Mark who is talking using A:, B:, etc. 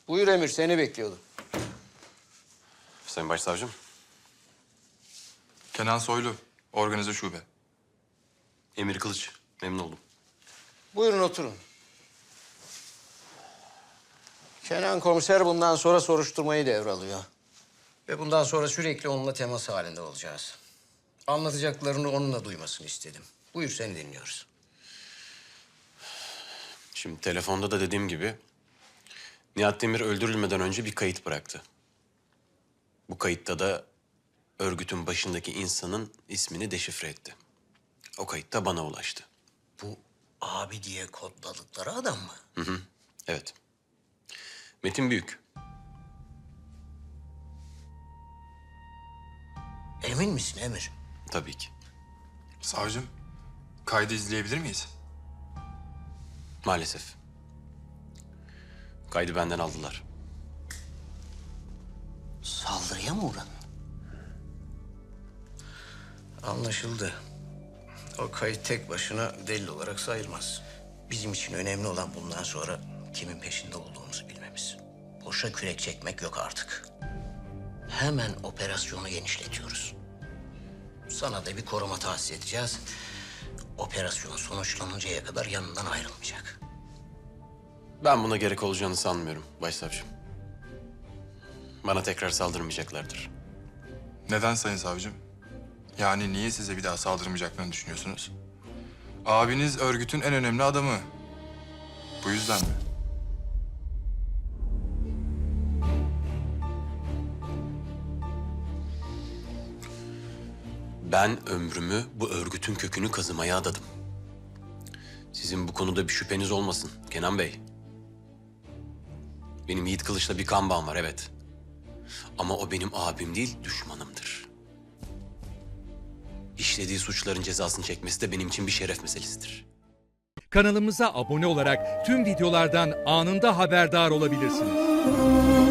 A: Buyur Emir, seni bekliyordum.
B: Sayın Başsavcım.
C: Kenan Soylu, organize şube.
B: Emir Kılıç. Memnun oldum.
A: Buyurun oturun. Kenan komiser bundan sonra soruşturmayı devralıyor. Ve bundan sonra sürekli onunla temas halinde olacağız. Anlatacaklarını onunla duymasını istedim. Buyur, seni dinliyoruz.
B: Şimdi telefonda da dediğim gibi Nihat Demir öldürülmeden önce bir kayıt bıraktı. Bu kayıtta da örgütün başındaki insanın ismini deşifre etti. O kayıt da bana ulaştı.
A: Bu abi diye kodladıkları adam mı?
B: Evet. Metin Büyük.
A: Emin misin Emir?
B: Tabii ki.
C: Savcım, kaydı izleyebilir miyiz?
B: Maalesef. Kaydı benden aldılar.
A: Saldırıya mı uğradın? Anlaşıldı. O kayıt tek başına delil olarak sayılmaz. Bizim için önemli olan bundan sonra kimin peşinde olduğumuzu bilmemiz. Boşa kürek çekmek yok artık. Hemen operasyonu genişletiyoruz. Sana da bir koruma tahsis edeceğiz. Operasyon sonuçlanıncaya kadar yanından ayrılmayacak.
B: Ben buna gerek olacağını sanmıyorum Başsavcım. Bana tekrar saldırmayacaklardır.
C: Neden sayın savcım? Yani niye size bir daha saldırmayacaklarını düşünüyorsunuz? Abiniz örgütün en önemli adamı. Bu yüzden mi?
B: Ben ömrümü bu örgütün kökünü kazımaya adadım. Sizin bu konuda bir şüpheniz olmasın Kenan Bey. Benim Yiğit Kılıç'la bir kan bağım var, evet. Ama o benim abim değil, düşmanımdır. İşlediği suçların cezasını çekmesi de benim için bir şeref meselesidir.
D: Kanalımıza abone olarak tüm videolardan anında haberdar olabilirsiniz.